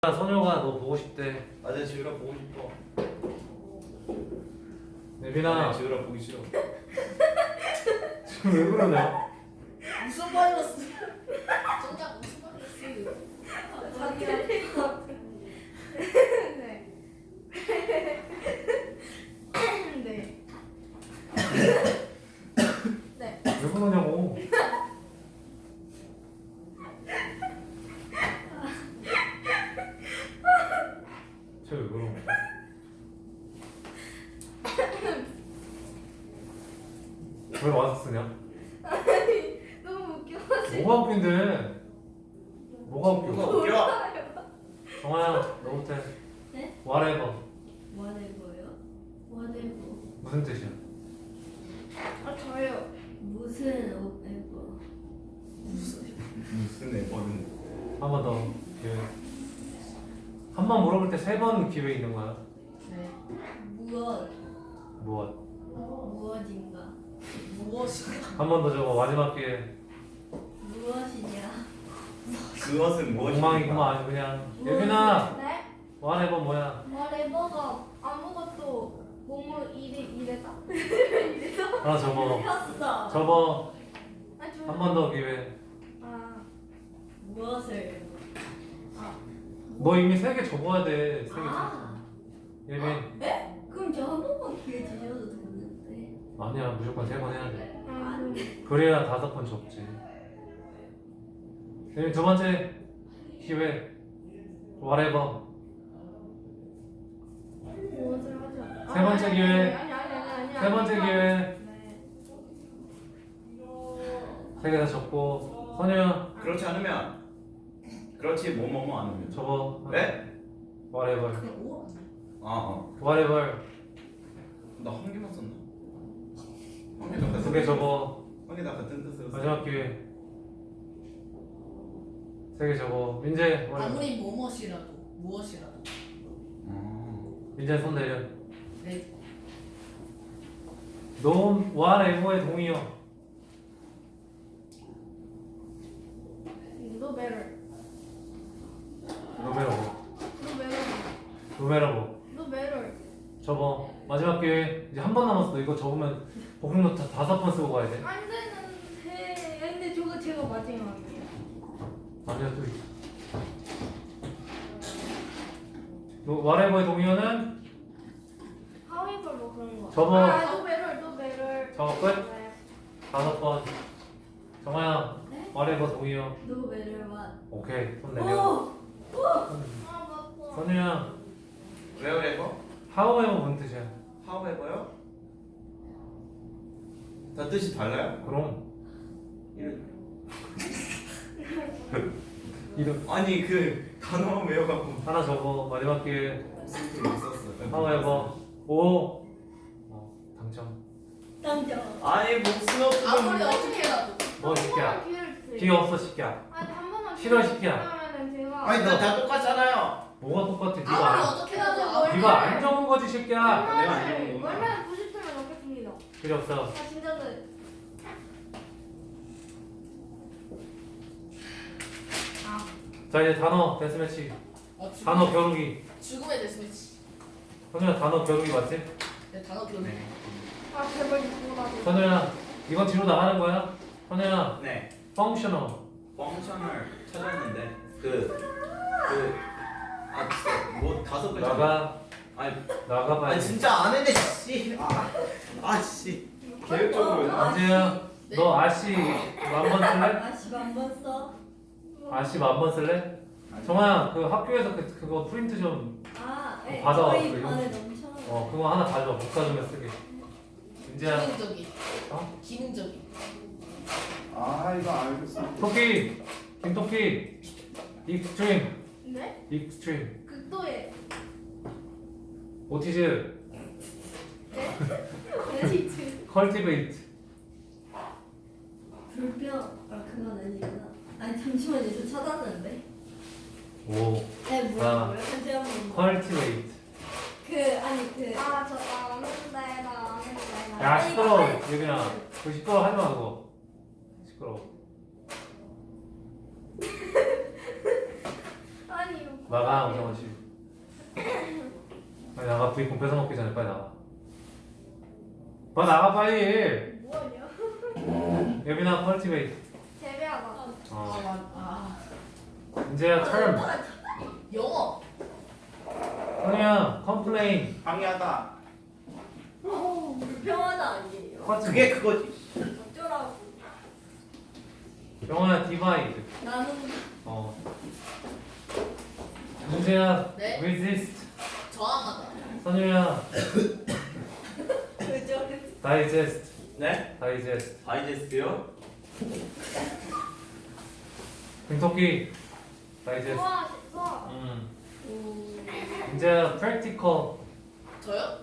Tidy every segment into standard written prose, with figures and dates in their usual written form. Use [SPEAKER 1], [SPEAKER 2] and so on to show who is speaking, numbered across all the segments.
[SPEAKER 1] 선효가 너 보고 싶대.
[SPEAKER 2] 맞아, 지우라 보고 싶어.
[SPEAKER 1] 예빈아
[SPEAKER 2] 아니, 지우라 보기 싫어.
[SPEAKER 1] 지금 왜 그러냐?
[SPEAKER 3] 무슨 바이러스? 정작 무슨 바이러스? 자기야. 네. 네. 네.
[SPEAKER 1] 왜 그러냐고. 쟤왜 그러냐? 왜 와서 쓰냐?
[SPEAKER 3] 너무 웃겨가지고.
[SPEAKER 1] 뭐가 웃긴데? 뭐가
[SPEAKER 2] 뭐가
[SPEAKER 1] 웃겨?
[SPEAKER 2] 웃겨?
[SPEAKER 1] 정아야 너부터 해.
[SPEAKER 4] 네?
[SPEAKER 1] whatever.
[SPEAKER 4] whatever요? whatever
[SPEAKER 1] 무슨 뜻이야?
[SPEAKER 3] 아 저요.
[SPEAKER 4] 무슨 whatever
[SPEAKER 2] 무슨 애버는.
[SPEAKER 1] 한 번 더 기회. 한 번 물어볼 때 세 번 기회 있는 거야.
[SPEAKER 4] 네 무엇
[SPEAKER 1] 무엇?
[SPEAKER 4] 무엇인가
[SPEAKER 3] 무엇인가?
[SPEAKER 1] 한 번 더 적어. 마지막 기회.
[SPEAKER 4] 무엇이냐
[SPEAKER 2] 그것은 무엇입니까?
[SPEAKER 1] 엉망이구만 아주 그냥. 예빈아
[SPEAKER 3] 네?
[SPEAKER 1] whatever 뭐야?
[SPEAKER 3] whatever가 아무것도 뭐뭐 이래다.
[SPEAKER 1] 하나 접어.
[SPEAKER 4] 폈어
[SPEAKER 1] 접어.
[SPEAKER 3] 아 저.
[SPEAKER 1] 한 번 더 기회.
[SPEAKER 3] 아.
[SPEAKER 4] 무엇을
[SPEAKER 1] 너 이미 세 개 접어야 돼. 세 개.
[SPEAKER 4] 아.
[SPEAKER 1] 예빈.
[SPEAKER 4] 네? 그럼 저 한 번만 기회 주셔도 되는데
[SPEAKER 1] 아니야 무조건 세 번 해야 돼.
[SPEAKER 4] 아니
[SPEAKER 1] 그래야 5번 접지. 예빈 두 번째 기회. whatever.
[SPEAKER 3] 무엇을 하죠?
[SPEAKER 1] 세 번째 기회.
[SPEAKER 3] 아니.
[SPEAKER 1] 세 번째 기회.
[SPEAKER 3] 네.
[SPEAKER 1] 세 개 다 접고. 선우야
[SPEAKER 2] 그렇지 않으면. 그렇지, 뭐뭐뭐 안 하면.
[SPEAKER 1] 접어.
[SPEAKER 2] 네?
[SPEAKER 1] whatever.
[SPEAKER 3] 그냥 오.
[SPEAKER 2] 아,
[SPEAKER 1] whatever.
[SPEAKER 2] 나 한 개만 썼나? 한 개다
[SPEAKER 1] 두 개 접어.
[SPEAKER 2] 한개다 같은 뜻으로 써.
[SPEAKER 1] 마지막 기회. 세 개 접어. 민재 whatever.
[SPEAKER 5] 아무리 무엇이라도 무엇이라도
[SPEAKER 1] 민재 손 내려.
[SPEAKER 5] 네.
[SPEAKER 1] 넌 whatever의 동의어.
[SPEAKER 3] No better.
[SPEAKER 1] 노메로고.
[SPEAKER 3] No better.
[SPEAKER 1] 노메로고.
[SPEAKER 3] No better.
[SPEAKER 1] 접어. 마지막 기회. 이제 한 번 남았어. 이거 접으면 복습노트 5번 쓰고 가야 돼.
[SPEAKER 3] 안 되는데. 근데 저거 제가 마지막이에요.
[SPEAKER 1] 아니야 또 있어. whatever의 동의어는
[SPEAKER 3] However 뭐 그런 거.
[SPEAKER 1] 접어.
[SPEAKER 3] 아, no better. No better.
[SPEAKER 1] 접어 끝.
[SPEAKER 3] 네.
[SPEAKER 1] 5번. 정아야.
[SPEAKER 4] 네?
[SPEAKER 1] whatever 동의어.
[SPEAKER 4] no matter what
[SPEAKER 1] 오케이. 손 내려.
[SPEAKER 4] 오!
[SPEAKER 3] 아, 맞다.
[SPEAKER 1] 선우야.
[SPEAKER 2] wherever?
[SPEAKER 1] however 무슨 뜻이야?
[SPEAKER 2] however요? 다 뜻이 달라요?
[SPEAKER 1] 그럼.
[SPEAKER 2] 이런.
[SPEAKER 1] 이름.
[SPEAKER 2] 아니, 그 단어만 외워갖고
[SPEAKER 1] 하나 접어. 마지막 기회.
[SPEAKER 2] 스스로 못 썼어.
[SPEAKER 1] however. 오. 당첨.
[SPEAKER 4] 당첨
[SPEAKER 2] 아니, 무슨 없어.
[SPEAKER 5] 아무리 어떻게 해도
[SPEAKER 1] 뭐 시키야?
[SPEAKER 3] 기회를 주세요.
[SPEAKER 1] 기회 없어 시키야.
[SPEAKER 3] 아니 한 번만
[SPEAKER 1] 싫어,
[SPEAKER 3] 기회를
[SPEAKER 1] 시키야.
[SPEAKER 3] 주시면은 제가.
[SPEAKER 2] 아니, 다 똑같잖아요.
[SPEAKER 1] 뭐가 똑같아?
[SPEAKER 5] 아무리
[SPEAKER 1] 네가
[SPEAKER 5] 어떻게 해도
[SPEAKER 3] 뭘-
[SPEAKER 1] 네가 안 적은 거지 새끼야.
[SPEAKER 2] 내가 안 적은 거구나.
[SPEAKER 3] 월말에 90점을 넣겠습니다.
[SPEAKER 1] 필요 없어.
[SPEAKER 3] 아 진짜는.
[SPEAKER 1] 자 이제 단어 데스매치.
[SPEAKER 5] 죽음의-
[SPEAKER 1] 단어 겨루기.
[SPEAKER 5] 죽음의 데스매치.
[SPEAKER 1] 선우야 단어 겨루기 맞지?
[SPEAKER 5] 네, 단어 기억.
[SPEAKER 2] 네.
[SPEAKER 3] 아 제발 이거라도.
[SPEAKER 1] 선우야 이건 뒤로 나가는 거야. 선우야
[SPEAKER 2] 네.
[SPEAKER 1] 펑셔널.
[SPEAKER 2] 펑션을 찾았는데 아, 진짜 뭐 5글
[SPEAKER 1] 나가
[SPEAKER 2] 아니
[SPEAKER 1] 나가봐야 돼.
[SPEAKER 2] 진짜 안 했네 씨. 씨. 계획적으로
[SPEAKER 1] 안재야
[SPEAKER 5] 네.
[SPEAKER 1] 너 아씨 10,000번 쓸래?
[SPEAKER 4] 아씨 한번 써?
[SPEAKER 1] 아씨 10,000번 쓸래? 정아야 그 학교에서 그거 프린트 좀
[SPEAKER 4] 네.
[SPEAKER 1] 받아와,
[SPEAKER 4] 저희
[SPEAKER 1] 그거.
[SPEAKER 4] 반에 넘쳐
[SPEAKER 1] 그거 하나 가져와 복사주면 쓰게. 민재야
[SPEAKER 5] 기능적인.
[SPEAKER 1] 어?
[SPEAKER 5] 기능적인.
[SPEAKER 2] 아 이거 알겠어.
[SPEAKER 1] 토끼 김토끼 익스트림
[SPEAKER 3] 네?
[SPEAKER 1] 익스트림
[SPEAKER 3] 극도의.
[SPEAKER 1] 오티즈
[SPEAKER 3] 네?
[SPEAKER 1] 컬티베이트
[SPEAKER 4] 불평 그건 아니구나 아니 잠시만요 저 찾았는데
[SPEAKER 1] 오
[SPEAKER 4] 네
[SPEAKER 1] 아.
[SPEAKER 4] 뭐라고요? 다시 한번
[SPEAKER 1] 컬티베이트.
[SPEAKER 4] 아니 그
[SPEAKER 3] 아저 아는데 나 아는데.
[SPEAKER 1] 야 시끄러워 예빈아 그 시끄러워 하지마 그거 시끄러워.
[SPEAKER 3] 아니 이거
[SPEAKER 1] 나가 오정원 씨. 빨리 나가. 부익공 뺏어 먹기 전에 빨리 나가. 빨리 나가 빨리.
[SPEAKER 3] 뭐하냐?
[SPEAKER 1] 예빈아 컬티베이트.
[SPEAKER 3] 재배하다.
[SPEAKER 1] 어. 이제야 term.
[SPEAKER 5] 영어.
[SPEAKER 1] 선우야 컴플레인.
[SPEAKER 2] 방해하다.
[SPEAKER 4] 불평하다 아니에요.
[SPEAKER 2] 그게 그거지.
[SPEAKER 4] 어쩌라고.
[SPEAKER 1] 영어야 디바이드.
[SPEAKER 4] 나는
[SPEAKER 1] 어. 문제야
[SPEAKER 5] 네?
[SPEAKER 1] resist.
[SPEAKER 5] 저항하다.
[SPEAKER 1] 선우야
[SPEAKER 4] 그저
[SPEAKER 1] digest.
[SPEAKER 2] 네?
[SPEAKER 1] digest.
[SPEAKER 2] 다이제스트요?
[SPEAKER 1] 등토끼 digest.
[SPEAKER 3] 좋아, 좋아.
[SPEAKER 1] 문제야 practical.
[SPEAKER 5] 저요?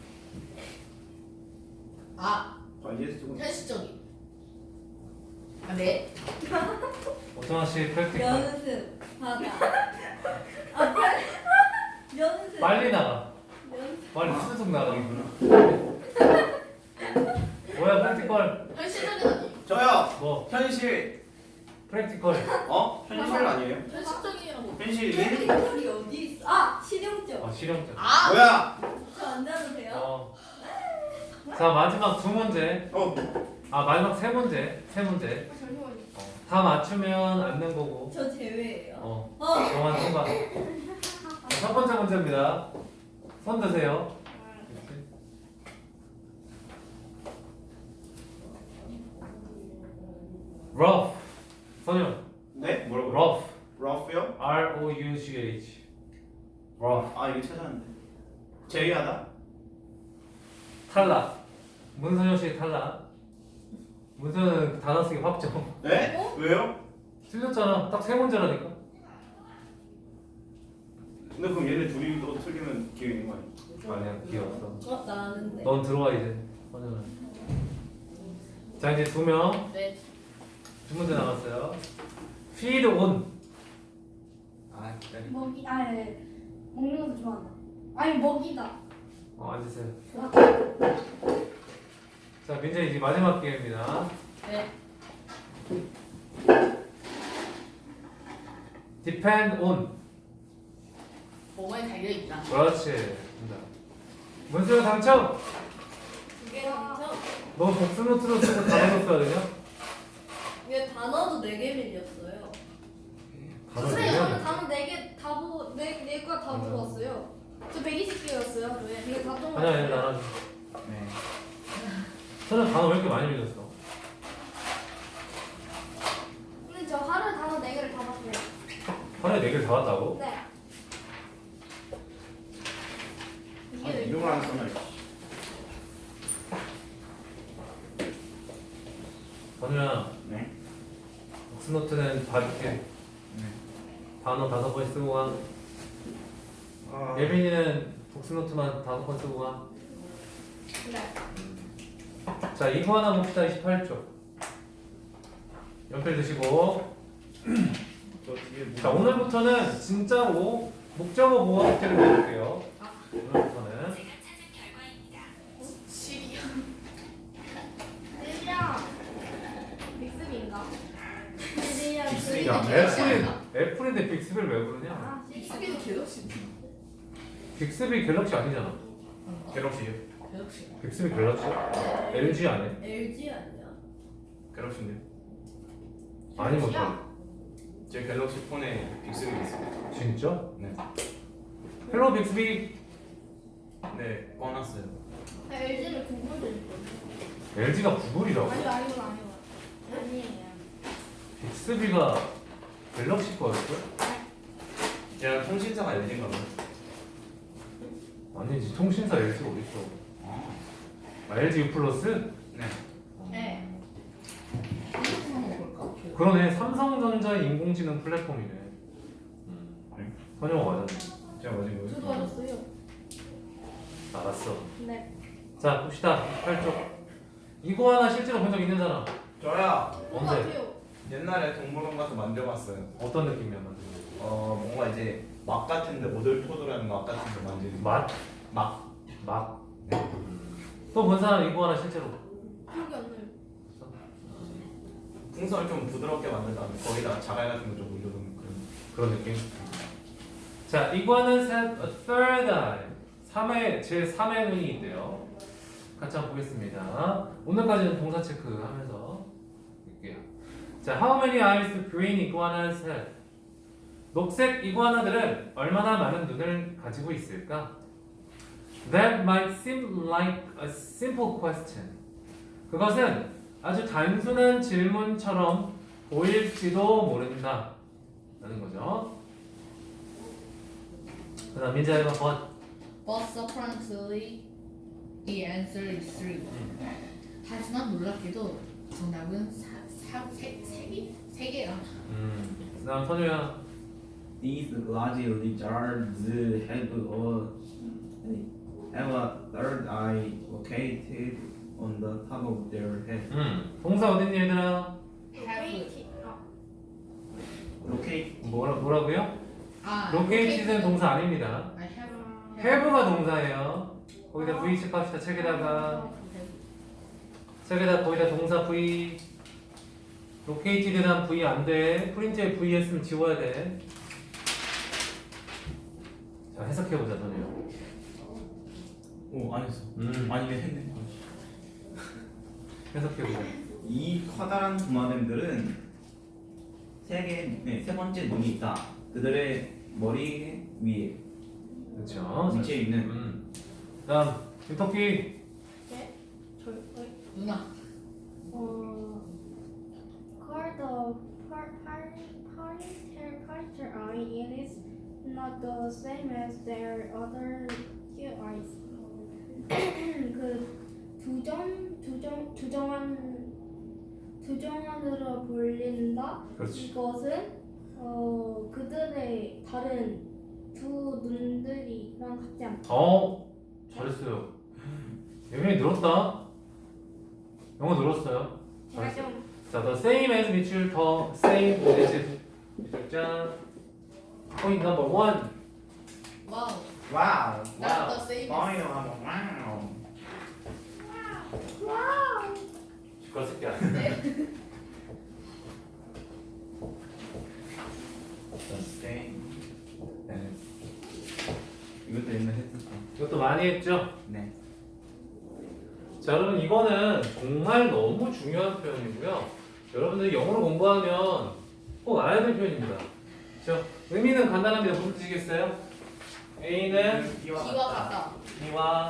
[SPEAKER 5] 아,
[SPEAKER 2] 다이제스트군.
[SPEAKER 5] 현실적인. 아, 네.
[SPEAKER 1] 오정원 씨 practical.
[SPEAKER 4] 연습 하다. 아 빨리 연습.
[SPEAKER 1] 빨리 나가.
[SPEAKER 4] 연습.
[SPEAKER 1] 빨리 수속 나가. 뭐야 practical.
[SPEAKER 5] 현실적인 아니에요.
[SPEAKER 2] 저요.
[SPEAKER 1] 뭐
[SPEAKER 2] 현실.
[SPEAKER 1] practical.
[SPEAKER 2] 현실 아니에요?
[SPEAKER 5] 현실적이라고.
[SPEAKER 2] 현실
[SPEAKER 4] 소리 어디 있어? 아 실용적.
[SPEAKER 1] 실용적.
[SPEAKER 5] 아,
[SPEAKER 2] 뭐야?
[SPEAKER 4] 저 안 나도 돼요?
[SPEAKER 1] 어. 자 마지막 두 문제.
[SPEAKER 2] 어.
[SPEAKER 1] 아 마지막 세 문제. 세 문제.
[SPEAKER 3] 잠시만요.
[SPEAKER 1] 다 맞추면 앉는 거고.
[SPEAKER 4] 저 제외예요.
[SPEAKER 1] 어.
[SPEAKER 4] 어.
[SPEAKER 1] 영화 통과. 첫 번째 문제입니다. 손 드세요. rough. 선영.
[SPEAKER 2] 네? 뭐라고요?
[SPEAKER 1] rough.
[SPEAKER 2] 러프요?
[SPEAKER 1] R-O-U-G-H. rough.
[SPEAKER 2] 아 이게 찾았는데. 제외하다?
[SPEAKER 1] 탈락. 문선영 씨 탈락. 문선은 단어 쓰기 확정.
[SPEAKER 2] 네? 왜요?
[SPEAKER 1] 틀렸잖아. 딱 세 문제라니까.
[SPEAKER 2] 근데 그럼 얘네 둘이 또 틀리면 기회 있는 거 아니야?
[SPEAKER 1] 아니야, 기회 없어.
[SPEAKER 4] 어 나는데.
[SPEAKER 1] 넌 들어와 이제. 선영은. 자 이제 두 명.
[SPEAKER 5] 네.
[SPEAKER 1] 두 문제 남았어요. feed on.
[SPEAKER 2] 아 기다려.
[SPEAKER 3] 먹이, 아, 예. 먹는 것도 좋아한다. 아니, 먹이다.
[SPEAKER 1] 앉으세요. 자 민재 이제 마지막 기회입니다.
[SPEAKER 5] 네.
[SPEAKER 1] depend on.
[SPEAKER 5] 뭐뭐에 달려있다.
[SPEAKER 1] 그렇지. 된다. 문수영 당첨.
[SPEAKER 4] 두개 당첨.
[SPEAKER 1] 너 복수노트로 쓰고 단어로 써야 되냐?
[SPEAKER 4] 이게 단어도 4개 밀렸어요.
[SPEAKER 1] 단어
[SPEAKER 3] 선생님, 저는
[SPEAKER 1] 내면.
[SPEAKER 3] 단어 4개 다 보고, 네 거 다 보고 왔어요. 저 120개였어요, 하루에. 이게 다 좀.
[SPEAKER 1] 아니야 아니야 나는.
[SPEAKER 2] 네.
[SPEAKER 1] 저는 단어 왜 이렇게 많이 밀렸어?
[SPEAKER 3] 근데 저 하루에 단어 4개를 다 봤어요.
[SPEAKER 1] 하루에 4개를 다 왔다고?
[SPEAKER 3] 네.
[SPEAKER 2] 아,
[SPEAKER 3] 이게
[SPEAKER 2] 이름을 안 써놔.
[SPEAKER 1] 선우야
[SPEAKER 2] 네.
[SPEAKER 1] 복수노트는 봐줄게.
[SPEAKER 2] 네.
[SPEAKER 1] 단어 5번 쓰고 가.
[SPEAKER 2] 아,
[SPEAKER 1] 예빈이는 복수노트만 5번 쓰고 가.
[SPEAKER 3] 네.
[SPEAKER 1] 자 이거 하나 봅시다. 28쪽. 연필 드시고.
[SPEAKER 2] 저 뒤에 뭐-
[SPEAKER 1] 자 오늘부터는 진짜로 목적어 보호 숙제를 해볼게요. 오늘부터는.
[SPEAKER 5] 시리아.
[SPEAKER 3] 네, 믹스비인가?
[SPEAKER 2] 빅스비가
[SPEAKER 1] 애플인데 빅스비를 왜 부르냐?
[SPEAKER 3] 아,
[SPEAKER 5] 빅스비는 갤럭시.
[SPEAKER 1] 빅스비 갤럭시 아니잖아.
[SPEAKER 2] 갤럭시요?
[SPEAKER 5] 갤럭시.
[SPEAKER 1] 빅스비 갤럭시? LG 아니야?
[SPEAKER 4] LG 아니야?
[SPEAKER 2] 갤럭시인데요?
[SPEAKER 1] 아니 뭐
[SPEAKER 3] LG야?
[SPEAKER 2] 제 갤럭시 폰에 빅스비 있어요.
[SPEAKER 1] 진짜?
[SPEAKER 2] 네.
[SPEAKER 1] 헬로 빅스비.
[SPEAKER 2] 네, 꺼놨어요.
[SPEAKER 3] LG를 구글을
[SPEAKER 1] LG가 구글이라고?
[SPEAKER 3] 아니요, 아니요. 아니에요.
[SPEAKER 1] 빅스비가 갤럭시 거였어?
[SPEAKER 2] 제가 통신사가 LG인가 봐요.
[SPEAKER 1] 아니지 통신사 LG가 어딨어? 아, LG U 플러스?
[SPEAKER 2] 네.
[SPEAKER 3] 네.
[SPEAKER 5] 한번 볼까?
[SPEAKER 1] 그러네. 삼성전자의 인공지능 플랫폼이네. 선영아 맞았네.
[SPEAKER 2] 제가 맞은 거예요?
[SPEAKER 3] 저도 알았어요.
[SPEAKER 1] 알았어.
[SPEAKER 3] 네.
[SPEAKER 1] 자 봅시다. 8쪽. 이거 하나 실제로 본 적 있는 사람?
[SPEAKER 2] 저야
[SPEAKER 3] 뭔가
[SPEAKER 1] 언제?
[SPEAKER 3] 같아요.
[SPEAKER 2] 옛날에 동물원 가서 만져봤어요.
[SPEAKER 1] 어떤 느낌이었나?
[SPEAKER 2] 뭔가 이제 막 같은데 오돌토돌한 막 같은데 만지는 거.
[SPEAKER 1] 맛?
[SPEAKER 2] 막.
[SPEAKER 1] 막? 또 본 사람 이거 하나 실제로?
[SPEAKER 3] 기억이 안 나요.
[SPEAKER 2] 풍선을 좀 부드럽게 만든 다음에 거기다가 자갈 같은 거 좀 올려놓는 그런.
[SPEAKER 1] 그런 느낌? 자, iguanas have a third eye. 제 3의 눈이 있대요. 같이 한번 보겠습니다. 오늘까지는 동사 체크하면서 볼게요. 자, how many eyes do green iguanas have? 녹색 이구아나들은 얼마나 많은 눈을 가지고 있을까? That might seem like a simple question. 그것은 아주 단순한 질문처럼 보일지도 모른다. 라는 거죠. 그 다음 민자 1번.
[SPEAKER 5] But surprisingly, the answer is 3. 하지만 놀랍게도 정답은 3개야.
[SPEAKER 1] 그 다음 선우야.
[SPEAKER 2] These large lizards have a third eye located on the top of their head.
[SPEAKER 1] 동사 어딨니 얘들아?
[SPEAKER 5] Have.
[SPEAKER 2] Locate.
[SPEAKER 1] 뭐라고요?
[SPEAKER 5] 아,
[SPEAKER 1] locate는 동사 아닙니다.
[SPEAKER 5] I have.
[SPEAKER 1] have가 동사예요. 거기다 V 체크합시다. 책에다가 거기다 동사 V. located란 V 안 돼. 프린트에 V 했으면 지워야 돼. 자, 해석해보자, 선우야.
[SPEAKER 2] 오, 안 했어. 아니네, 했네.
[SPEAKER 1] 해석해보자.
[SPEAKER 2] 이 커다란 도마뱀들은 세 번째 눈이 있다. 그들의 머리 위에
[SPEAKER 1] 그렇죠.
[SPEAKER 2] 위치에 있는.
[SPEAKER 1] 다음 유토피.
[SPEAKER 3] 네?
[SPEAKER 5] 누나.
[SPEAKER 3] Called the parter eye, it is not the same as their other two eyes. 그 두정안으로 불린다.
[SPEAKER 1] 그렇지.
[SPEAKER 3] 이것은 그들의 다른 두 눈들이랑 같지 않다.
[SPEAKER 1] 잘했어요. 예민이 늘었다. 영어 늘었어요.
[SPEAKER 3] 제가 좀
[SPEAKER 1] 자, the same as 밑줄 더 same as 밑줄자. Point number 1.
[SPEAKER 5] 와우.
[SPEAKER 2] 와우.
[SPEAKER 5] Not the same.
[SPEAKER 2] 와우. 와우.
[SPEAKER 3] 와우.
[SPEAKER 1] 시끄러 새끼야.
[SPEAKER 2] same.
[SPEAKER 1] 네.
[SPEAKER 2] 이것도 옛날 했었어.
[SPEAKER 1] 이것도 많이 했죠?
[SPEAKER 2] 네.
[SPEAKER 1] 자, 여러분 이거는 정말 너무 중요한 표현이고요. 여러분들이 영어를 공부하면 꼭 알아야 될 표현입니다. 그렇죠? 의미는 간단합니다. 무슨 뜻이겠어요? A는
[SPEAKER 5] B와 같다.
[SPEAKER 1] B와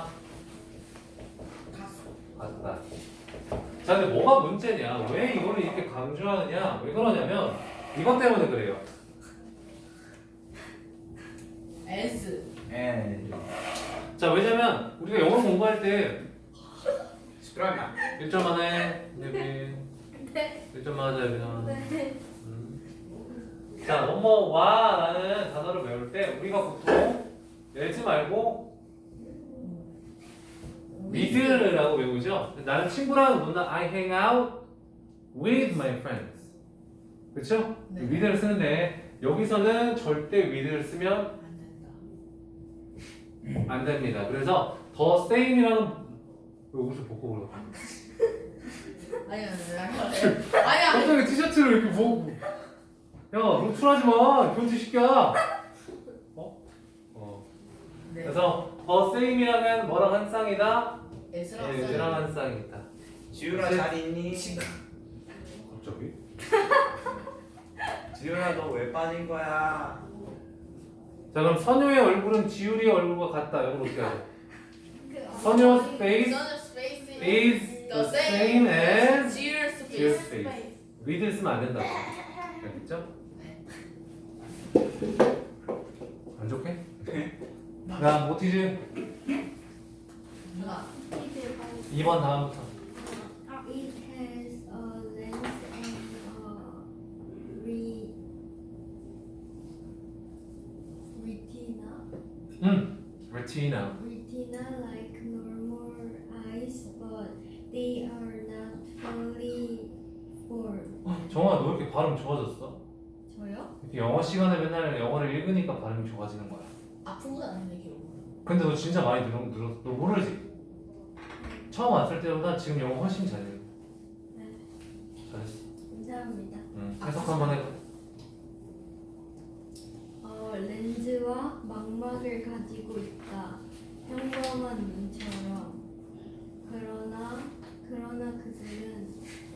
[SPEAKER 5] 갔어.
[SPEAKER 1] 같다. 자, 근데 뭐가 문제냐? 왜 이거를 이렇게 강조하느냐? 왜 그러냐면 이것 때문에 그래요.
[SPEAKER 5] S.
[SPEAKER 1] 자, 왜냐면 우리가 영어 공부할 때
[SPEAKER 2] 시끄러워.
[SPEAKER 1] 1점 안에 예빈
[SPEAKER 3] 네.
[SPEAKER 1] 1점 맞아 예빈아.
[SPEAKER 3] 네.
[SPEAKER 1] 자, 뭐뭐와라는 단어를 외울 때 우리가 보통 외우지 말고 with라고 외우죠. 나는 친구랑 논다. I hang out with my friends. 그렇죠?
[SPEAKER 5] 네.
[SPEAKER 1] with를 쓰는데 여기서는 절대 with를 쓰면
[SPEAKER 5] 안 된다.
[SPEAKER 1] 안 됩니다. 그래서 더 same이라는 왜 옷을 벗고 그러?
[SPEAKER 5] 아니야. 아니야.
[SPEAKER 1] 갑자기 티셔츠를 이렇게 뭐? 야, 노출하지 마. 교지 시켜.
[SPEAKER 5] 네.
[SPEAKER 1] 그래서 더 same이라는 뭐랑 한 쌍이다.
[SPEAKER 5] S랑
[SPEAKER 1] S랑 한 쌍이 있다.
[SPEAKER 2] 지우라 잘 있니?
[SPEAKER 1] 갑자기?
[SPEAKER 2] 지우라 너 왜 빠진 거야?
[SPEAKER 1] 자, 그럼 선효의 얼굴은 지율이의 얼굴과 같다. 이걸 어떻게 하죠?
[SPEAKER 3] 그,
[SPEAKER 1] 선효's face
[SPEAKER 5] Sun's face
[SPEAKER 1] is the same as
[SPEAKER 5] Cheers
[SPEAKER 1] Cheers
[SPEAKER 5] face.
[SPEAKER 1] face. with를 쓰면 안 된다고. 알겠죠? 안 좋게? 자, 모티즈
[SPEAKER 5] 누나.
[SPEAKER 1] 2번 다음부터.
[SPEAKER 4] It has a lens and
[SPEAKER 1] retina.
[SPEAKER 4] retina like normal eyes, but they are not fully formed.
[SPEAKER 1] 정아, 너 이렇게 발음 좋아졌어?
[SPEAKER 4] 저요?
[SPEAKER 1] 이렇게 영어 시간에 맨날 영어를 읽으니까 발음이 좋아지는 거야.
[SPEAKER 5] 아픈 건 아닌데 기록.
[SPEAKER 1] 근데 너 진짜 많이 늘었. 너 모르지? 처음 왔을 때보다 지금 영어 훨씬 잘해.
[SPEAKER 4] 네.
[SPEAKER 1] 잘했어.
[SPEAKER 4] 감사합니다.
[SPEAKER 1] 해석 한번 해봐.
[SPEAKER 4] 렌즈와 망막을 가지고 있다. 평범한 눈처럼. 그러나 그들은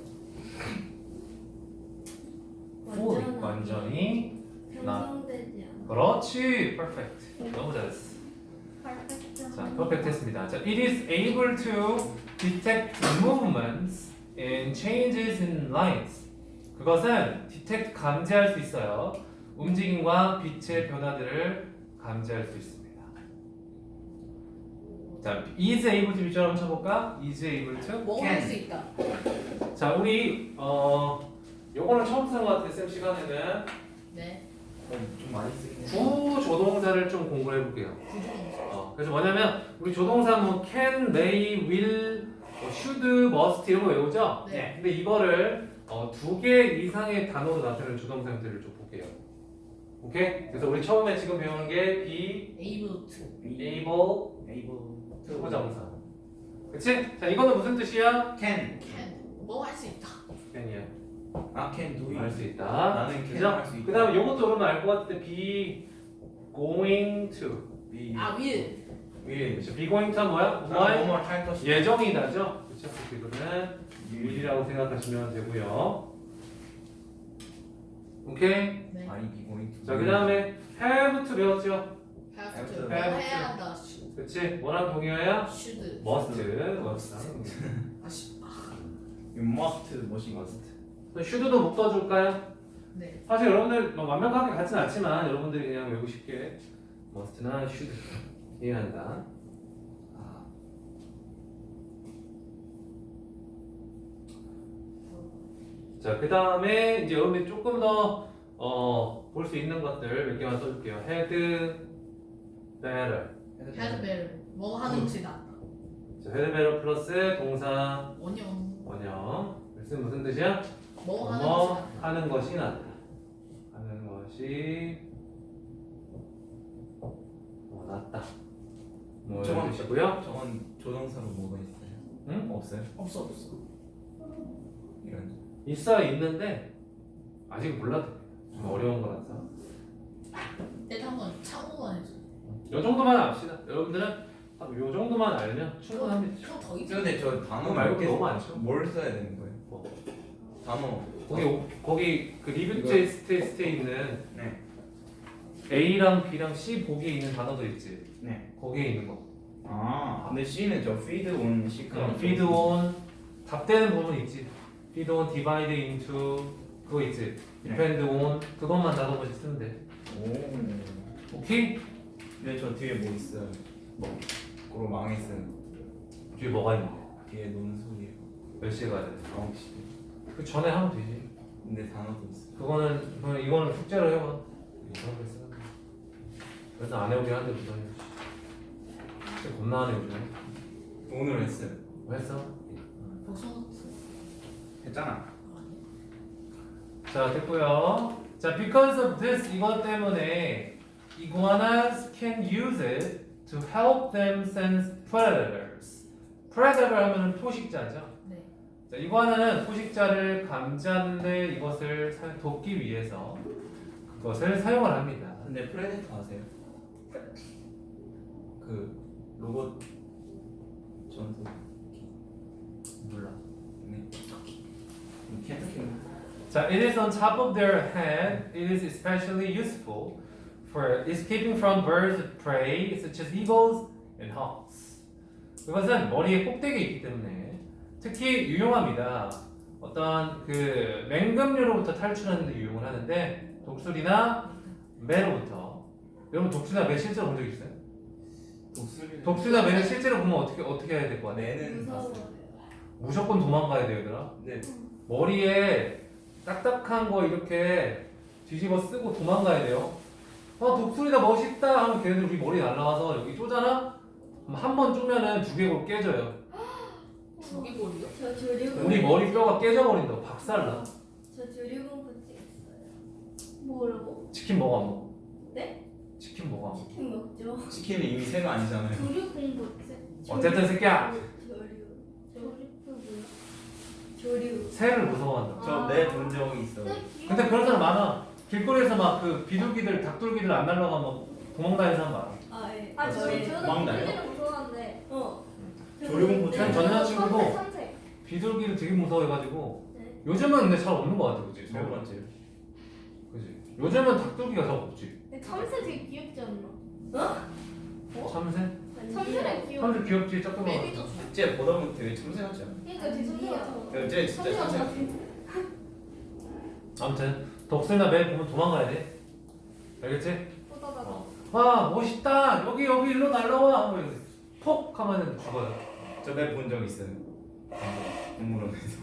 [SPEAKER 1] 완전히
[SPEAKER 4] 형성되지 않아.
[SPEAKER 1] 그렇지. perfect. 너무 잘했어.
[SPEAKER 3] 퍼펙트.
[SPEAKER 1] 자, perfect 했습니다. 자, it is able to detect movements and changes in light. 그것은 detect 감지할 수 있어요. 움직임과 빛의 변화들을 감지할 수 있습니다. 자, is able to 비주얼 한번 쳐볼까? is able to.
[SPEAKER 5] 뭐 할 수 있다.
[SPEAKER 1] 자, 우리 요거는 처음 쓰는 것 같아요. 쌤 시간에는
[SPEAKER 5] 네.
[SPEAKER 2] 좀 많이 쓰긴 해.
[SPEAKER 1] 구조동사를 좀 공부를 해볼게요. 그래서 뭐냐면 우리 조동사 뭐 can, may, will, should, must 이런 거 외우죠?
[SPEAKER 5] 네.
[SPEAKER 1] 근데 이거를 두 개 이상의 단어로 나타내는 조동사 형태를 좀 볼게요. 오케이? 그래서 우리 처음에 지금 배우는 게 be,
[SPEAKER 5] able to.
[SPEAKER 1] able,
[SPEAKER 2] able
[SPEAKER 1] 투부정사. 그치? 자, 이거는 무슨 뜻이야?
[SPEAKER 2] can
[SPEAKER 5] can. 뭐 할 수 있다.
[SPEAKER 1] can이야.
[SPEAKER 2] can do
[SPEAKER 1] 할
[SPEAKER 2] it.
[SPEAKER 1] 수 있다.
[SPEAKER 2] 나는 can
[SPEAKER 1] 그죠?
[SPEAKER 2] 할 수 있다.
[SPEAKER 1] 그 다음에 요것도 여러분 알 것 같은데 be going to.
[SPEAKER 2] be
[SPEAKER 5] 아 will.
[SPEAKER 2] will
[SPEAKER 1] 그쵸? be going to는 뭐야?
[SPEAKER 2] 뭐뭐 할 것이다.
[SPEAKER 1] 예정이다죠? 그쵸? 그래서 이거는 will이라고 생각하시면 되고요. 오케이?
[SPEAKER 5] 네.
[SPEAKER 2] I be going to.
[SPEAKER 1] 자, 그 다음에 have to 배웠죠?
[SPEAKER 5] have to.
[SPEAKER 2] have
[SPEAKER 5] 뭐
[SPEAKER 2] to.
[SPEAKER 5] 해야 한다. should.
[SPEAKER 1] 그치? 뭐랑 동의어야?
[SPEAKER 5] should.
[SPEAKER 1] must.
[SPEAKER 5] 아씨.
[SPEAKER 2] you must 뭐시
[SPEAKER 1] must. should도 묶어줄까요?
[SPEAKER 5] 네.
[SPEAKER 1] 사실 여러분들 뭐 완벽하게 같지는 않지만 여러분들이 그냥 외우고 싶게 must나 should 이해한다. 자, 그 다음에 이제 여러분들이 조금 더 볼 수 있는 것들 몇 개만 써줄게요. had better.
[SPEAKER 5] had better. 뭐 하는 것이 낫다.
[SPEAKER 1] 자, had better 플러스 동사
[SPEAKER 5] 원형.
[SPEAKER 1] 원형. 글쓴 무슨 뜻이야?
[SPEAKER 5] 뭐 하는
[SPEAKER 1] 뭐
[SPEAKER 5] 것이 낫다.
[SPEAKER 1] 하는 것이 낫다. 하는 것이 낫다. 뭐
[SPEAKER 2] 저건
[SPEAKER 1] 이런 뜻이고요.
[SPEAKER 2] 저건 조동사로 뭐가 있어요?
[SPEAKER 1] 응?
[SPEAKER 2] 없어요?
[SPEAKER 5] 없어.
[SPEAKER 2] 이런
[SPEAKER 1] 있어요, 있는데 아직 몰라도 돼요. 좀 어려운 거라서.
[SPEAKER 5] 일단 한번 참고만 해줘.
[SPEAKER 1] 요 정도만 압시다. 여러분들은 요 정도만 알면 충분합니다.
[SPEAKER 5] 그럼 더 있어.
[SPEAKER 2] 근데 저 단어
[SPEAKER 1] 그거 말고
[SPEAKER 2] 몇 개-
[SPEAKER 1] 너무 많죠.
[SPEAKER 2] 뭘 써야 되는 거예요?
[SPEAKER 1] 뭐.
[SPEAKER 2] 단어
[SPEAKER 1] 거기 그 리뷰
[SPEAKER 2] 이거-
[SPEAKER 1] 테스트에 있는
[SPEAKER 2] 네.
[SPEAKER 1] A랑 B랑 C 보기에 있는 단어들 있지.
[SPEAKER 2] 네.
[SPEAKER 1] 거기에 있는 거.
[SPEAKER 2] 아 근데 C는 저 feed on C랑
[SPEAKER 1] feed on 답되는 부분 있지. feed on, divide into 그거 있지. depend on 그것만 나눠보지 쓰면 돼.
[SPEAKER 2] 오.
[SPEAKER 1] 오케이?
[SPEAKER 2] 근데 저 뒤에 뭐 있어요? 뭐 그로 망했어요.
[SPEAKER 1] 뒤에 뭐가 있는데?
[SPEAKER 2] 뒤에 논술이에요.
[SPEAKER 1] 몇 시에 가야 돼?
[SPEAKER 2] 9시.
[SPEAKER 1] 그 전에 하면 되지.
[SPEAKER 2] 근데 단어도 있어.
[SPEAKER 1] 그거는 이거는 숙제로 해봐. 이상하게 쓰는 거. 그래서 안 해오게 하는데 무슨 진짜 겁나 안 해 요즘에.
[SPEAKER 2] 오늘 했어요.
[SPEAKER 1] 뭐 했어?
[SPEAKER 5] 복선.
[SPEAKER 2] 했잖아.
[SPEAKER 1] 자, 됐고요. 자, because of this 이것 때문에 iguanas can use it to help them sense predators. predator 하면은 포식자죠.
[SPEAKER 5] 네.
[SPEAKER 1] 자, 이구아나는 포식자를 감지하는데 이것을 돕기 위해서 그것을 사용을 합니다.
[SPEAKER 2] 근데 프레데터 아세요? 그 로봇 전투
[SPEAKER 1] 몰라.
[SPEAKER 2] 네. 캔터키
[SPEAKER 1] 자, it is on top of their head. It is especially useful for escaping from birds of prey such as eagles and hawks. 그것은 머리에 꼭대기에 있기 때문에 특히 유용합니다. 어떤 그 맹금류로부터 탈출하는 데 유용을 하는데 독수리나 매로부터. 여러분 독수리나 매 실제로 본 적 있어요? 독수리나 매를 실제로 보면 어떻게 해야 될 것 같아요?
[SPEAKER 2] 내는 봤어요.
[SPEAKER 4] 무서워요.
[SPEAKER 1] 무조건 도망가야 돼요, 얘들아.
[SPEAKER 2] 네.
[SPEAKER 1] 머리에 딱딱한 거 이렇게 뒤집어 쓰고 도망가야 돼요. 독수리다 멋있다 하면 걔네들 우리 머리 날라와서 여기 쪼잖아? 한 번 쪼면은 두개골 깨져요.
[SPEAKER 5] 두개골이요?
[SPEAKER 4] 저 조류공.
[SPEAKER 1] 우리 머리 뼈가 깨져버린다고 박살나.
[SPEAKER 4] 저 조류공포증 있어요.
[SPEAKER 3] 뭐라고?
[SPEAKER 1] 치킨 먹어 안 먹어?
[SPEAKER 4] 네?
[SPEAKER 1] 치킨 먹어 안 먹어?
[SPEAKER 4] 치킨 먹죠.
[SPEAKER 2] 치킨은 이미 새가 아니잖아요.
[SPEAKER 3] 조류 공부지.
[SPEAKER 1] 어쨌든 새끼야
[SPEAKER 4] 조류.
[SPEAKER 1] 새를 무서워한다.
[SPEAKER 2] 저 내 본 적이 있어요.
[SPEAKER 1] 근데 그런 사람 많아. 길거리에서 막 그 비둘기들, 닭둘기들 안 날라가 막 도망다니는 사람 많아.
[SPEAKER 4] 아 예.
[SPEAKER 3] 아 저는
[SPEAKER 2] 도망다녀?
[SPEAKER 3] 비둘기를 무서워하는데.
[SPEAKER 2] 조류공포
[SPEAKER 1] 전 전 여자친구도
[SPEAKER 3] 참새.
[SPEAKER 1] 비둘기를 되게 무서워해가지고
[SPEAKER 3] 네.
[SPEAKER 1] 요즘은 근데 잘 없는 것 같아, 그지?
[SPEAKER 2] 몇 번째?
[SPEAKER 1] 그지? 요즘은 닭둘기가 잘 없지.
[SPEAKER 3] 근데 참새 되게 귀엽지 않나?
[SPEAKER 1] 참새?
[SPEAKER 3] 참새는 귀여워.
[SPEAKER 1] 참새 귀엽지, 조그만.
[SPEAKER 5] 매미도
[SPEAKER 2] 쟤 보다 보면 되게 참새 같지 않아?
[SPEAKER 3] 그러니까 되게 참새 같아.
[SPEAKER 2] 쟤 진짜 참새 같아.
[SPEAKER 1] 아무튼 독수리나 매 보면 도망가야 돼. 알겠지?
[SPEAKER 3] 보다가
[SPEAKER 1] 와 멋있다. 여기 일로 날라와. 하고 이러고 폭 하면은 죽어요.
[SPEAKER 2] 저배 본 적 있어요. 동물원에서.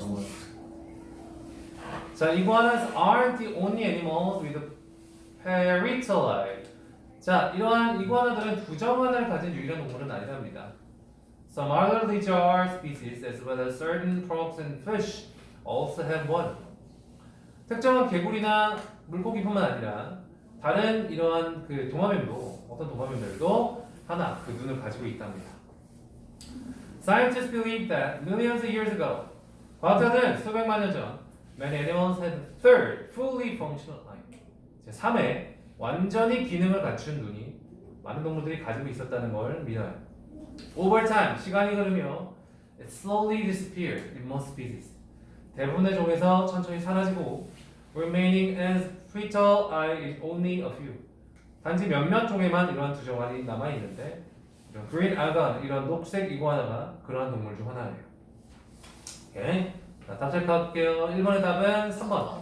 [SPEAKER 1] 자, iguanas aren't the only animals with a parietal eye. 자, 이러한 이구아나들은 부정관을 가진 유일한 동물은 아니랍니다. Some other lizard species, as well as certain frogs and fish, also have one. 특정한 개구리나 물고기뿐만 아니라 다른 이러한 그 도마뱀도 어떤 도마뱀들도 하나 그 눈을 가지고 있답니다. Scientists believe that millions of years ago, 과학자들은 수백만 년 전, many animals had a third, fully functional eye. 제 3회 완전히 기능을 갖춘 눈이 많은 동물들이 가지고 있었다는 걸 믿어요. Over time, 시간이 흐르며 it slowly disappeared in most species. 대부분의 종에서 천천히 사라지고 remaining as fetal eye is only a few. 단지 몇몇 종에만 이러한 두 정알이 남아 있는데 이런 green alga, 이런 녹색 이구아나가 그러한 동물 중 하나예요. 오케이. 자, 답 체크할게요. 1번의 답은 3번.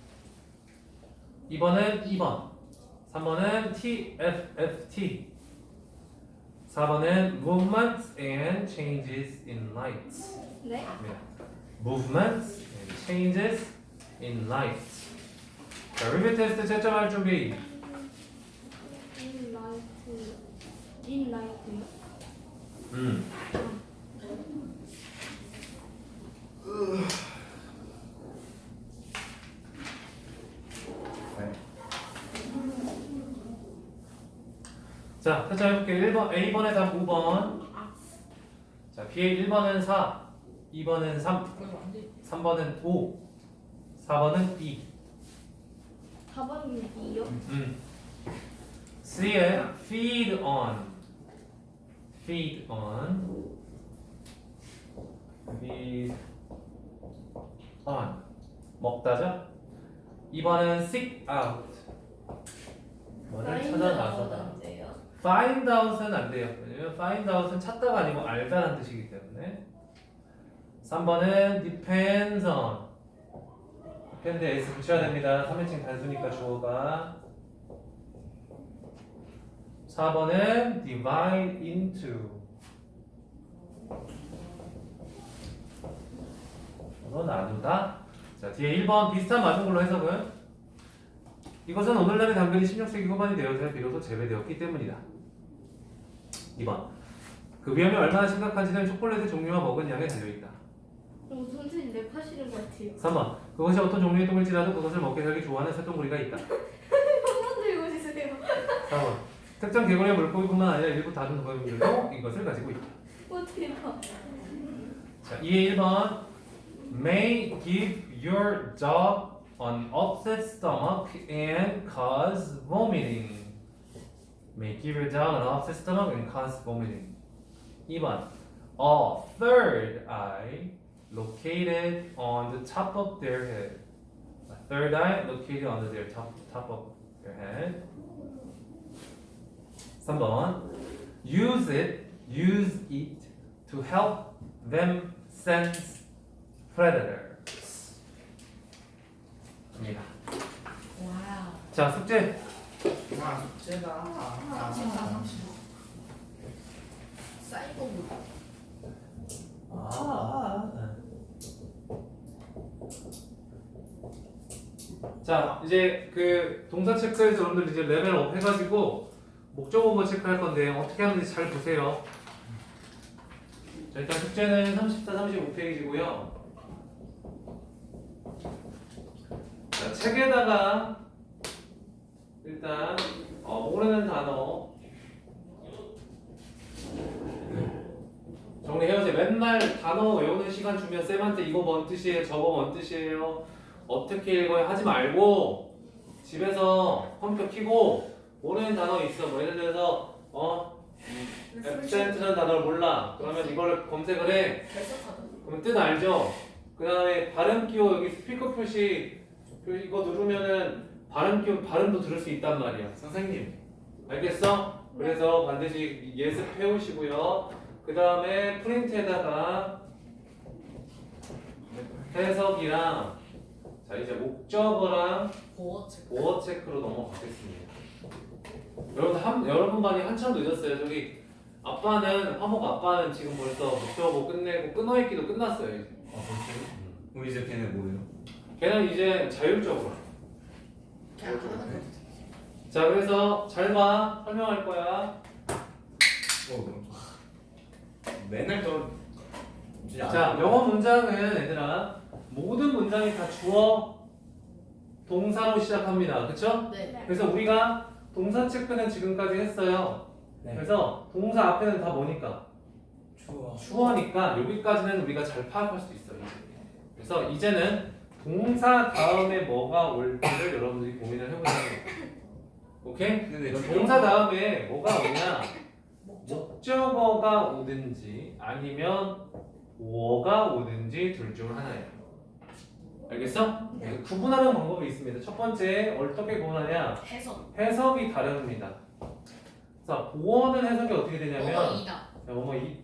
[SPEAKER 1] 2번은 2번. 3번은 TFFT. 4번은 movements and changes in light.
[SPEAKER 3] 네.
[SPEAKER 1] Movements and changes in light. 자, 리뷰 테스트 채점할 준비.
[SPEAKER 3] In light.
[SPEAKER 2] 네.
[SPEAKER 1] 자, 채점해볼게요. 1번, A번의 답 5번. 자, B의 1번은 4, 2번은 3,
[SPEAKER 5] 그거 안 돼.
[SPEAKER 1] 3번은 5, 4번은 2.
[SPEAKER 3] 4번은 B요?
[SPEAKER 1] C의 feed on. Feed on. Feed on. 먹다죠? 2번은 seek out. 뭐를 찾아 나서다. Find out은 안 돼요. 왜냐면 find out은 찾다가 아니고 알다라는 뜻이기 때문에. 3번은 depends on. depend에 s 붙여야 됩니다. 3인칭 단수니까 주어가. 4번은 divide into. 나누다. 자, 뒤에 1번 비슷한 맞은 걸로 해석은 이것은 오늘날의 당근이 16세기 후반이 되어서 비로소 재배되었기 때문이다. 2번 그 위험이 얼마나 심각한지는 초콜릿의 종류와 먹은 양에 달려있다.
[SPEAKER 3] 선생님 랩하시는 것 같아요.
[SPEAKER 1] 3번 그것이 어떤 종류의 똥일지라도 그것을 먹게 살기 좋아하는 새똥구리가 있다.
[SPEAKER 3] 한번 들고 주세요.
[SPEAKER 1] 4번 특정 개구리의 물고기뿐만 아니라 일부 다른 동물들도 이것을 가지고 있다.
[SPEAKER 3] 어떻게 봐?
[SPEAKER 1] 자, 2의 1번 may give your dog an upset stomach and cause vomiting. May give your dog an upset stomach and cause vomiting. 2번 a third eye located on the top of their head. A third eye located on their top of their head. 3번 use it to help them sense predators. 입니다.
[SPEAKER 5] 와우.
[SPEAKER 1] 자, 숙제.
[SPEAKER 2] 와 숙제다.
[SPEAKER 5] 진짜 30. 사이버볼.
[SPEAKER 1] 자, 이제 그 동사 체크에서 여러분들 이제 레벨업 해가지고 목적어뭐 체크할 건데 어떻게 하는지 잘 보세요. 자, 일단 숙제는 34, 35페이지고요. 자, 책에다가 일단 모르는 단어 정리해야지. 맨날 단어 외우는 시간 주면 쌤한테 이거 뭔 뜻이에요, 저거 뭔 뜻이에요, 어떻게 읽어요 하지 말고 집에서 컴퓨터 켜고 모르는 단어 있어. 뭐 예를 들어서 absent라는 단어를 몰라. 그러면 이걸 검색을 해.
[SPEAKER 5] 결석하다.
[SPEAKER 1] 그러면 뜻 알죠? 그 다음에 발음 기호 여기 스피커 표시 이거 누르면은 발음 기호 발음도 들을 수 있단 말이야.
[SPEAKER 2] 선생님.
[SPEAKER 1] 알겠어? 그래서 반드시 예습해 오시고요. 그 다음에 프린트에다가 해석이랑 자 이제 목적어랑
[SPEAKER 5] 보호 체크.
[SPEAKER 1] 보어 체크로 넘어가겠습니다. 여러분 반이 한참 늦었어요. 저기 아빠는 화목 아빠는 지금 벌써 목적어 끝내고 끊어읽기도 끝났어요. 이제.
[SPEAKER 2] 그럼 이제 걔네 뭐예요?
[SPEAKER 1] 걔는 이제 자율적으로.
[SPEAKER 5] 그냥 하는 거지.
[SPEAKER 1] 자 그래서 잘 봐. 설명할 거야.
[SPEAKER 2] 맨날 또
[SPEAKER 1] 자 영어 문장은 얘들아 모든 문장이 다 주어 동사로 시작합니다. 그쵸?
[SPEAKER 5] 네.
[SPEAKER 1] 그래서 우리가 동사 체크는 지금까지 했어요.
[SPEAKER 2] 네.
[SPEAKER 1] 그래서 동사 앞에는 다 뭐니까?
[SPEAKER 2] 추워.
[SPEAKER 1] 주어니까 여기까지는 우리가 잘 파악할 수 있어요. 그래서 이제는 동사 다음에 뭐가 올지를 여러분들이 고민을 해보자는 거예요. 오케이?
[SPEAKER 2] 근데
[SPEAKER 1] 그럼 동사 다음에 뭐가 오냐? 목적어가 오든지 아니면 뭐가 오든지 둘 중 하나예요. 알겠어?
[SPEAKER 5] 네.
[SPEAKER 1] 구분하는 방법이 있습니다. 첫 번째 어떻게 구분하냐?
[SPEAKER 5] 해석.
[SPEAKER 1] 해석이 다릅니다. 자, 보어는 해석이 어떻게 되냐면
[SPEAKER 5] 뭐가 이다.
[SPEAKER 1] 야, 뭐뭐 이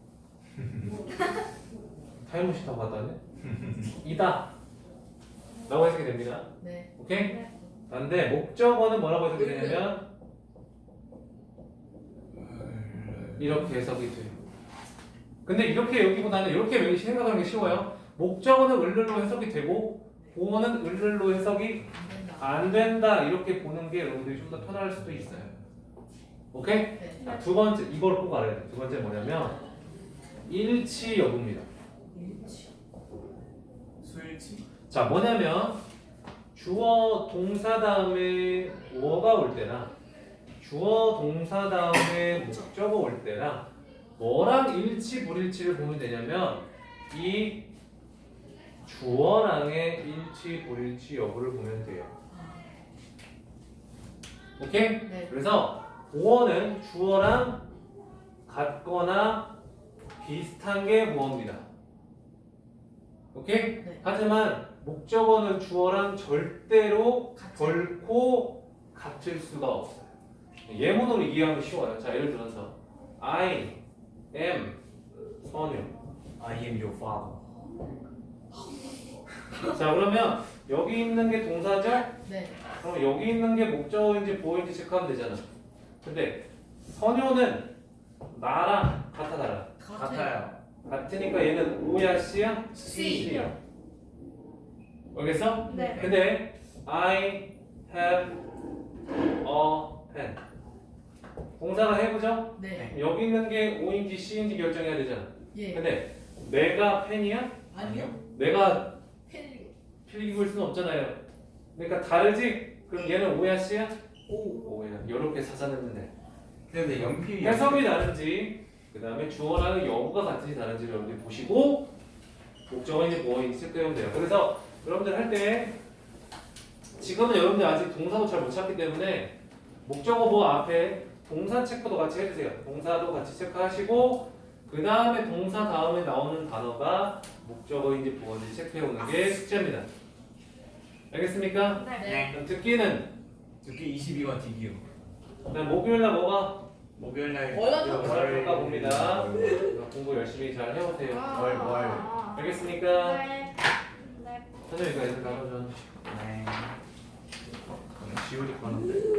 [SPEAKER 1] 타임머신 타고 갔다 왔네? 이다 라고 해석이 됩니다.
[SPEAKER 5] 네.
[SPEAKER 1] 오케이?
[SPEAKER 3] 네.
[SPEAKER 1] 근데 목적어는 뭐라고 해석이 되냐면 이렇게 해석이 돼요. 근데 이렇게 여기보다는 이렇게 생각하는 게 쉬워요. 목적어는 을를로 해석이 되고 보어는 을를로 해석이
[SPEAKER 5] 안 된다.
[SPEAKER 1] 안 된다 이렇게 보는 게 여러분들이 좀 더 편할 수도 있어요. 오케이?
[SPEAKER 5] 네.
[SPEAKER 1] 자, 두 번째 이걸 꼭 알아야 돼. 두 번째 뭐냐면 일치 여부입니다.
[SPEAKER 5] 일치.
[SPEAKER 2] 수일치.
[SPEAKER 1] 자 뭐냐면 주어 동사 다음에 뭐가 올 때나 주어 동사 다음에 목적어 올 때나 뭐랑 일치 불일치를 보면 되냐면 이 주어랑의 일치 불일치 여부를 보면 돼요. 오케이?
[SPEAKER 5] 네.
[SPEAKER 1] 그래서 보어는 주어랑 같거나 비슷한 게 뭐입니다. 오케이?
[SPEAKER 5] 네.
[SPEAKER 1] 하지만 목적어는 주어랑 절대로
[SPEAKER 5] 같은.
[SPEAKER 1] 결코 같을 수가 없어요. 예문으로 이해하면 쉬워요. 자, 예를 들어서 I am 선유.
[SPEAKER 2] I am your father.
[SPEAKER 1] 자, 그러면 여기 있는 게 동사죠?
[SPEAKER 5] 네.
[SPEAKER 1] 그럼 여기 있는 게 목적어인지 보어인지 체크하면 되잖아. 근데 선유는 나랑 같아 달라?
[SPEAKER 2] 같아요.
[SPEAKER 1] 같으니까 얘는 O야 C야?
[SPEAKER 5] C.
[SPEAKER 1] C야. 알겠어?
[SPEAKER 3] 네.
[SPEAKER 1] 근데 I have a pen. 동사가 해보죠?
[SPEAKER 5] 네.
[SPEAKER 1] 여기 있는 게 O인지 C인지 결정해야 되잖아.
[SPEAKER 5] 예.
[SPEAKER 1] 근데 내가 펜이야?
[SPEAKER 5] 아니요.
[SPEAKER 1] 내가
[SPEAKER 5] 펜.
[SPEAKER 1] 필기고 일 수는 없잖아요. 그러니까 다르지? 그럼 얘는 O야 C야?
[SPEAKER 5] 오.
[SPEAKER 1] O야. 이렇게 찾아내면 돼.
[SPEAKER 2] 근데 연필이
[SPEAKER 1] 해석이 다른지 그 다음에 주어랑 여부가 같은지 다른지 여러분들이 보시고 목적어인지 뭐인지 체크하면 돼요. 그래서 여러분들 할 때 지금은 여러분들 아직 동사도 잘 못 찾기 때문에 목적어 뭐 앞에 동사 체크도 같이 해주세요. 동사도 같이 체크하시고 그 다음에 동사 다음에 나오는 단어가 목적어인지 뭐인지 체크해오는 게 숙제입니다. 알겠습니까?
[SPEAKER 3] 네.
[SPEAKER 1] 그럼 듣기는
[SPEAKER 2] 듣기 22와 디기요.
[SPEAKER 1] 그냥 목요일날 뭐가
[SPEAKER 2] 목요일날
[SPEAKER 5] 월요일
[SPEAKER 1] 가 봅니다. 공부 열심히 잘 해오세요.
[SPEAKER 2] 월.
[SPEAKER 1] 알겠습니까?
[SPEAKER 3] 네. 네.
[SPEAKER 1] 선생님 이거 애들 나눠줘.
[SPEAKER 2] 네. 지우리 거는데.